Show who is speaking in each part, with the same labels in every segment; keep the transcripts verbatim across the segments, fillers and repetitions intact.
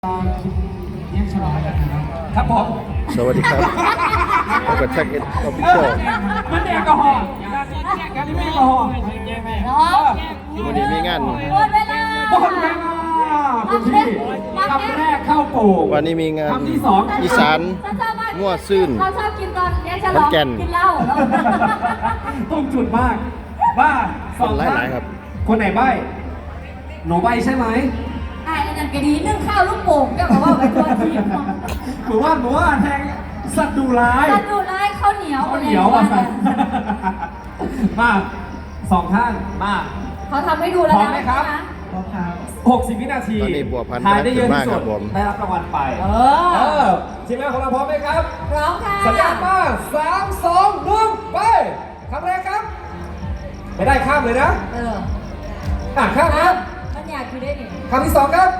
Speaker 1: เรียกฉลองกันนะครับครับผม
Speaker 2: สวัสดีครับแล้วก็แท็กเอ็ดออฟฟิเชียล
Speaker 1: มันแอลกอฮอล์การนี้ไม่แอลกอฮอล์
Speaker 2: วันนี้มีงาน
Speaker 3: หมดเวลา
Speaker 1: หมดเวลาคุณพี่คำแรกเข้าโป่ง
Speaker 2: วันนี้มีงาน
Speaker 1: คำที่สอง
Speaker 2: อีสานมั่วซื่น
Speaker 3: เขาชอบกินตอนเรียกฉลองกินเหล้า
Speaker 1: ต้องจุดมากบ้า
Speaker 2: สองหลายๆครับ
Speaker 1: คนไหนใบ้หนูใบ้ใช่ไหม
Speaker 3: ไอ้นั่นก็ดีนึ่งข้าวลูกโป่งก็บอกว่าเป็นตัวทีม
Speaker 1: หรือว่าหรือว่าแทงสัตว์ดุร้าย
Speaker 3: สัตว์ดุร้ายข้าวเหนียว
Speaker 1: ข้าวเหนียวอ่ะสัตว์มาสองท่านมา
Speaker 3: เขาทำให้ดูแล้วนะ
Speaker 1: พร้อมไหมครับพร้อมครับหกสิบวินาที
Speaker 2: ตอนนี้บัวพันธุ์
Speaker 1: ทายได้เยอะที่สุด
Speaker 2: ได้
Speaker 1: รับรางวัลไปเอ
Speaker 3: อ
Speaker 1: ทีมงานของเราพร้อมไหมครับ
Speaker 3: พร้อมค่ะ
Speaker 1: สัญญาณมาสามสองหนึ่งไปคำแรกครับไม่ได้ข้ามเลยนะ
Speaker 3: เออ
Speaker 1: อ่ะข้ามครับ
Speaker 3: มันอยากอยู่ได้ดิ
Speaker 1: คำที่สองครับ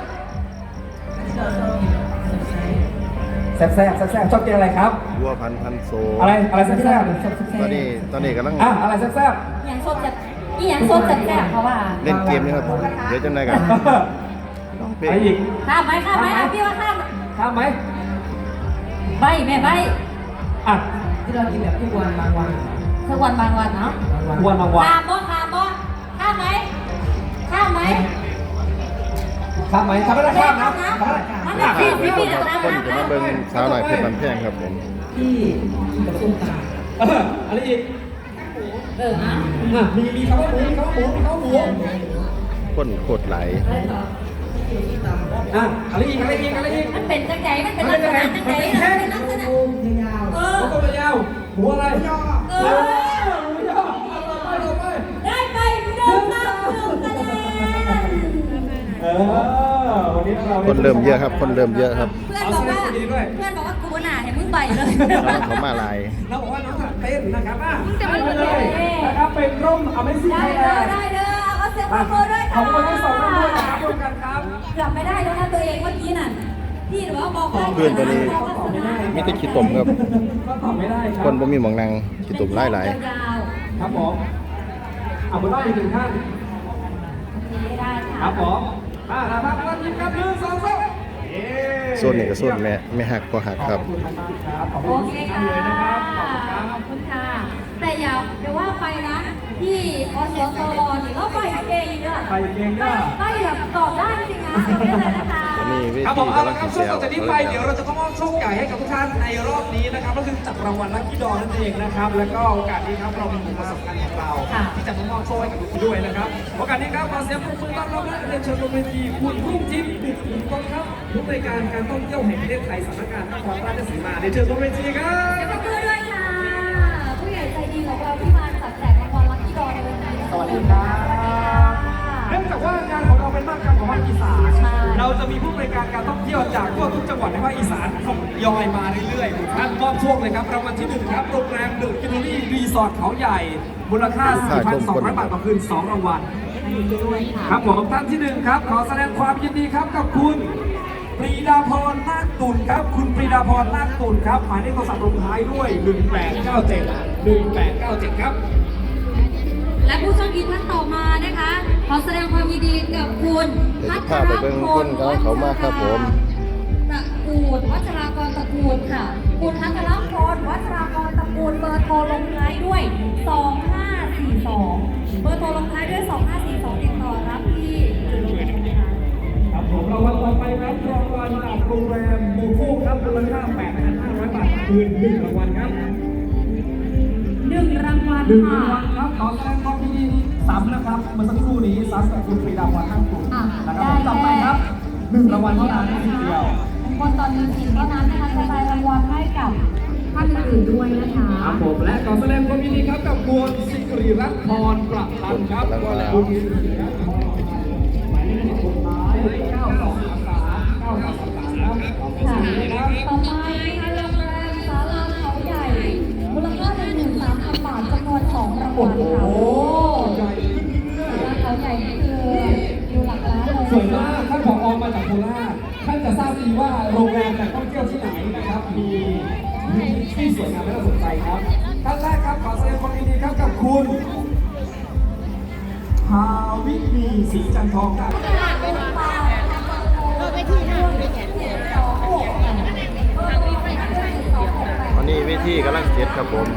Speaker 1: แซ่บแซ่บแซ่บแซ่บชอบกินอะไรครับ
Speaker 2: บัวพันธุ์พันโซ
Speaker 1: อะไรอะไรแซ่บแซ่บ
Speaker 2: ตอนนี้ตอนนี้กำลัง
Speaker 1: อ่ะอะไรแซ่บแซ่บ
Speaker 3: อย่างโซจัดอีอย่างโซจัดแซ่บเพราะว่า
Speaker 2: เล่นเกมนี่ครับเดี๋ยวจะไหนกัน
Speaker 1: อะไรอีก
Speaker 3: ข้ามไหมข้ามไหมพี่ว่าข้าม
Speaker 1: ข้ามไหม
Speaker 3: ใบแม่ใบ
Speaker 1: อ่ะ
Speaker 4: ที่เรากินแบบทุกวันบางวัน
Speaker 3: ทุกวันบางวันเนาะ
Speaker 1: ทุกวันบางวัน
Speaker 3: ข้ามบ่ข้ามบ่ข้ามไหมข้ามไหม
Speaker 1: ข้ามไหมข้ามไม่ได้ข้ามนะ
Speaker 3: มันแบบพี่พี่พี่นะ
Speaker 2: คนจะมาเบิ่งสาวหน่อยเพชรลำแพงครับผม
Speaker 4: ที่กับส้มต
Speaker 1: ำอะไรอีก
Speaker 3: เอออ่ะ
Speaker 1: มีมีคำว่าหมูมีคำว่าหมูมีคำว่าหมู
Speaker 2: คนโคตรไหล
Speaker 1: อ่ะอะไรอีกอะไรอีกอะไรอีก
Speaker 3: มันเป็นจังใจมันเป็นลักษณะจังใจมันเป็นลักษณะ
Speaker 4: ยาว
Speaker 3: เออ
Speaker 1: ตัวยาวหัวอะไร
Speaker 3: เออได้ไปเดิมมากเดิมคะแนน
Speaker 1: เออวันนี้เรา
Speaker 2: คนเริ่มเยอะครับคนเริ่มเยอะครับ
Speaker 3: เพื่อนบอกว่าเพื่อนบอกว่ากูหนาเห็นมึงใบเลย
Speaker 2: เขามาลาย
Speaker 1: เราบอกว่าน้องถัดเต้นนะครับอ่ะเลยนะครับเป็นร่มเอาไม่ซี
Speaker 3: ได้เด้อได้เด้อเอาเสียงปรบมือด้วยค่ะ
Speaker 1: ขอบคุณทั้งสองท่านด้วยนะครับร่วมกันครับ
Speaker 3: กลับไม่ได้แล้วนะตัวเองเมื่อกี้น่ะพี่หรือว่าบอก
Speaker 2: เพื่อนตัวนี้มีแต่ขี้ตุ่มครับคนบ่มีหมองนางขี้ตุ่มไล่หลาย
Speaker 1: ครับผมเอาบุญรอดอีกหนึ่งท่านครับผมอ่าท่านท่านยิ้มครับหนึ่งสองสาม
Speaker 2: โซนนี้ก็โซนแม่แม่หักพอหักครับ
Speaker 3: โอเคค่ะขอบคุณค่ะแต่อย่าเดี๋ยวว่าไปนะที่อสตรนี่ก็ไปเก่งเยอะ
Speaker 1: ไปเก่งเยอะ
Speaker 3: ไปแบบตอบได้จริงนะ
Speaker 1: ครับผมเอาละครับช่วงต่อจากนี้ไปเดี๋ยวเราจะต้องมอบโชคใหญ่ให้กับทุกท่านในรอบนี้นะครับก็คือจับรางวัลลัคกี้ดอนั่นเองนะครับแล้วก็โอกาสนี้ครับเรามีผู้ประสบการณ์ของเราที่จะมามอบโชคให้กับทุกคนด้วยนะครับโอกาสนี้ครับขอเสียงปรบมือต้อนรับและเรียนเชิญบนเวทีคุณรุ่งทิพย์ดิษฐ์กองครับผู้ในการการท่องเที่ยวแห่งประเทศไทยสำนักงานนครราชสีมาเรียนเชิญบนเวทีครับ
Speaker 3: ขอบคุณด้วยค่ะผู้ใหญ่ใจดีของเราที่มาจัดแจกรางวัลลัคกี้ดอในวันนี้
Speaker 1: สวัสดีครับเนื่องจากว่างานของเราเป็นมากกรรมของภาคอีสานเราจะมีผู้บริการการท่องเที่ยวจากทั่วทุกจังหวัดในภาคอีสานทยอยมาเรื่อยๆท่านมอบโชคเลยครับรางวัลที่หนึ่งครับโรงแรมเดอะกินโนรี่รีสอร์ทเขาใหญ่มูลค่า สี่พันสองร้อย บาทต่อคืนสองรางวัลครับผมท่านที่หนึ่งครับขอแสดงความยินดีครับกับคุณปรีดาพรนาคตุลครับคุณปรีดาพรนาคตุลครับหมายเลขโทรศัพท์ลงท้ายด้วยหนึ่งแปดเก้าเจ็ด หนึ่งแปดเก้าเจ็ดครับ
Speaker 3: และผู้โชคดีท่านต่อมานะคะขอแสดงความยินดีกับคุณพัทรพล
Speaker 2: เขามาครับผม
Speaker 3: ตระกูลวัชรากรตระกูลค่ะคุณพัทรพลวัชรากรตระกูลเบอร์โทรลงท้ายด้วยสองห้าสี่สองเบอร์โทรลงท้ายด้วยสองห้าสี่สองติดต่อรับที่จุดลงทะเบียน
Speaker 1: ครับผมรางวัลต่อไปครับรางวัลจากโรงแรมโมโคครับมูลค่า แปดพันห้าร้อย บาทคืนหนึ่งรางวัลครับ
Speaker 3: หนึ่งรางวัล
Speaker 1: หนึ่งรางวัลครับขอแสดงความยินดีซ้ำนะครับเมื่อสักครู่นี้ซ้ำกับคุณปรีดาพรทั้งกลุ่มนะครับต่อไปครับหนึ่งรางวัลเท่านั้นทีเดียว
Speaker 3: คนตอนนี้สิบเท่านั้นนะคะจะได้รางวัลให้กับท่านอื่นด้วยนะคะ
Speaker 1: ครับผมและขอแสดงความยินดีครับกับคุณสิริรัตน์พรประพันธ์ครับคุณสิริรัตน์พรหมายเลขสุดท้ายเก้าสองสามสามเก้าสองสามสามครับขอบคุณครับ
Speaker 3: ต่อไปนะคะโรงแรมศาลาเขาใหญ่มูลค่าหนึ่งหมื่นสามพันบาทจำนวนสองรางวัลค่ะโอ้
Speaker 1: ใหญ่ขึ้นเรื่อย
Speaker 3: ๆเขาใหญ่คืออยู่หลักล้านเลย
Speaker 1: สวยมากท่านผอ.มาจากโคราชท่านจะทราบดีว่าโรงแรมการท่องเที่ยวที่ไหนนะครับมีที่สวยงามและน่าสนใจครับท่านแรกครับขอแสดงความยินดีครับกับคุณภาวินีศรีจันทองครับ
Speaker 3: เป็นปลาเป็นปลา
Speaker 2: ทีกำลังเสร็จครับผม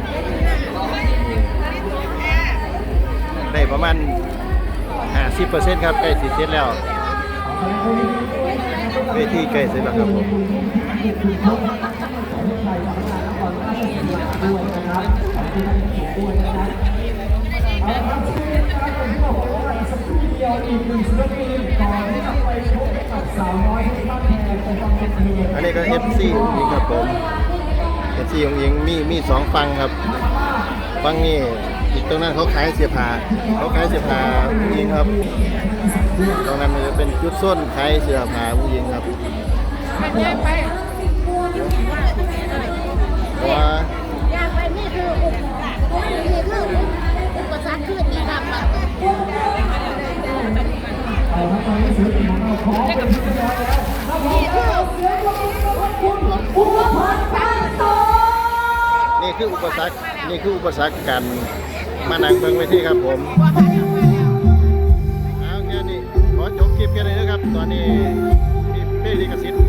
Speaker 2: ได้ประมาณห้าสิบเปอร์เซ็นต์ครับใกล้สิเสร็จแล้วเวทีใกล้เสร็จแล้วครับผมอันนี้ก็ เอฟ ซี นี่ครับผม เอฟ ซี ของยิงมีมีสองฟังครับฟังนี่อีกตรงนั้นเขาขายเสียผ้าเขาขายเสียผ้าผู้หญิงครับตรงนั้นมันจะเป็นจุดส้นขายเสื้อผ้าผู้หญิงครับเพราะว่า
Speaker 5: อยากไปนี่คืออุปสรรคนี่คืออุปสรรคคือที่ทำนี่คือ
Speaker 2: นี่คืออุปสรรคนี่คืออุปสรรคการมานั่งเบิ่งเวทีครับผมเอาแค่นี้ขอจบคลิปแค่นี้นะครับตอนนี้มีเพลงลิขสิทธิ์